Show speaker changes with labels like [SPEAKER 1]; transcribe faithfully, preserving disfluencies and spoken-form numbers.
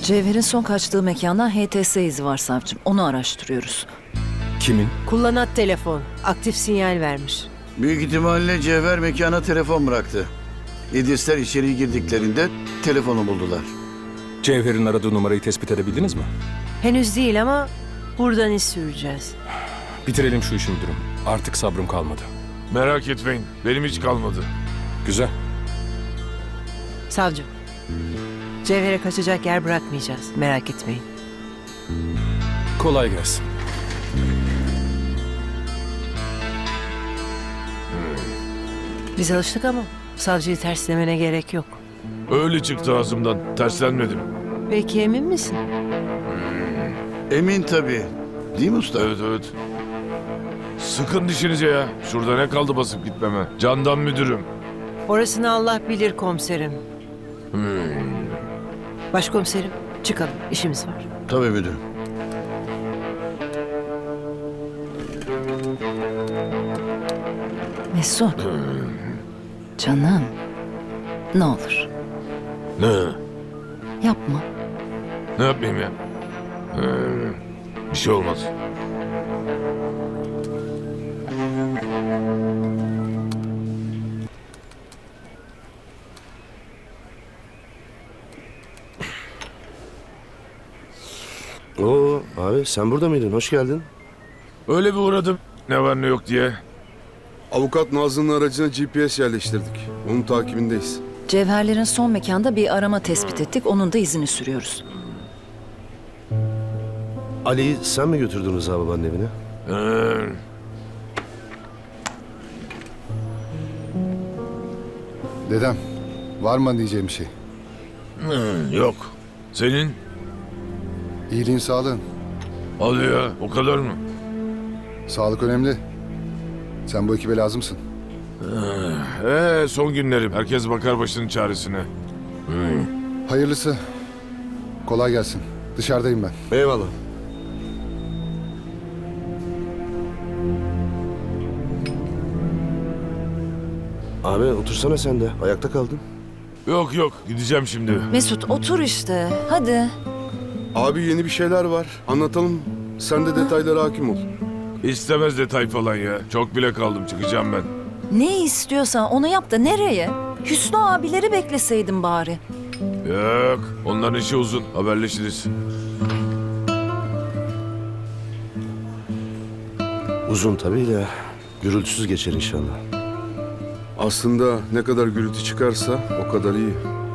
[SPEAKER 1] Cevher'in son kaçtığı mekandan H T S izi var savcım. Onu araştırıyoruz.
[SPEAKER 2] Kimin?
[SPEAKER 3] Kullanat telefon. Aktif sinyal vermiş.
[SPEAKER 4] Büyük ihtimalle Cevher mekana telefon bıraktı. İdrisler içeri girdiklerinde telefonu buldular.
[SPEAKER 2] Cevher'in aradığı numarayı tespit edebildiniz mi?
[SPEAKER 3] Henüz değil ama buradan iz süreceğiz.
[SPEAKER 2] Bitirelim şu işi müdürüm. Artık sabrım kalmadı.
[SPEAKER 5] Merak etmeyin. Benim hiç kalmadı.
[SPEAKER 2] Güzel.
[SPEAKER 3] Savcım. Cevher'e kaçacak yer bırakmayacağız. Merak etmeyin.
[SPEAKER 2] Kolay gelsin.
[SPEAKER 3] Biz alıştık ama savcıyı terslemene gerek yok.
[SPEAKER 5] Öyle çıktı ağzımdan. Terslenmedim.
[SPEAKER 3] Peki emin misin?
[SPEAKER 4] Emin tabii. Değil mi usta?
[SPEAKER 5] Evet evet. Sıkın dişinize ya. Şurada ne kaldı basıp gitmeme? Candan müdürüm.
[SPEAKER 3] Orasını Allah bilir komiserim. Başkomiserim çıkalım. İşimiz var.
[SPEAKER 4] Tabii müdürüm.
[SPEAKER 1] Mesut. Canım. Ne olur
[SPEAKER 5] Ne?
[SPEAKER 1] yapma.
[SPEAKER 5] Ne yapayım ya? Ee, bir şey olmaz.
[SPEAKER 6] Oo abi sen burada mıydın? Hoş geldin.
[SPEAKER 5] Öyle bir uğradım. Ne var ne yok diye.
[SPEAKER 7] Avukat Nazlı'nın aracına G P S yerleştirdik. Onun takibindeyiz.
[SPEAKER 1] Cevherlerin son mekanda bir arama tespit ettik. Onun da izini sürüyoruz.
[SPEAKER 6] Ali'yi sen mi götürdün Rıza babanın evine?
[SPEAKER 5] Ee,
[SPEAKER 8] Dedem, var mı diyeceğim bir şey?
[SPEAKER 5] hı, yok. Senin?
[SPEAKER 8] İyiliğin, sağlığın.
[SPEAKER 5] Hadi ya. O kadar mı?
[SPEAKER 8] Sağlık önemli. Sen bu ekibe lazımsın.
[SPEAKER 5] Ee, son günlerim. Herkes bakar başının çaresine.
[SPEAKER 8] Hayırlısı. Kolay gelsin. Dışarıdayım ben.
[SPEAKER 6] Eyvallah. Abi otursana sen de. Ayakta kaldın.
[SPEAKER 5] Yok yok. Gideceğim şimdi.
[SPEAKER 1] Mesut otur işte. Hadi.
[SPEAKER 7] Abi yeni bir şeyler var. Anlatalım. Sen de detaylara hakim ol.
[SPEAKER 5] İstemez detay falan ya. Çok bile kaldım. Çıkacağım ben.
[SPEAKER 1] Ne istiyorsan onu yap da nereye? Hüsnü abileri bekleseydin bari.
[SPEAKER 5] Yok. Onların işi uzun. Haberleşiriz.
[SPEAKER 6] Uzun tabii de gürültüsüz geçer inşallah.
[SPEAKER 7] Aslında ne kadar gürültü çıkarsa o kadar iyi.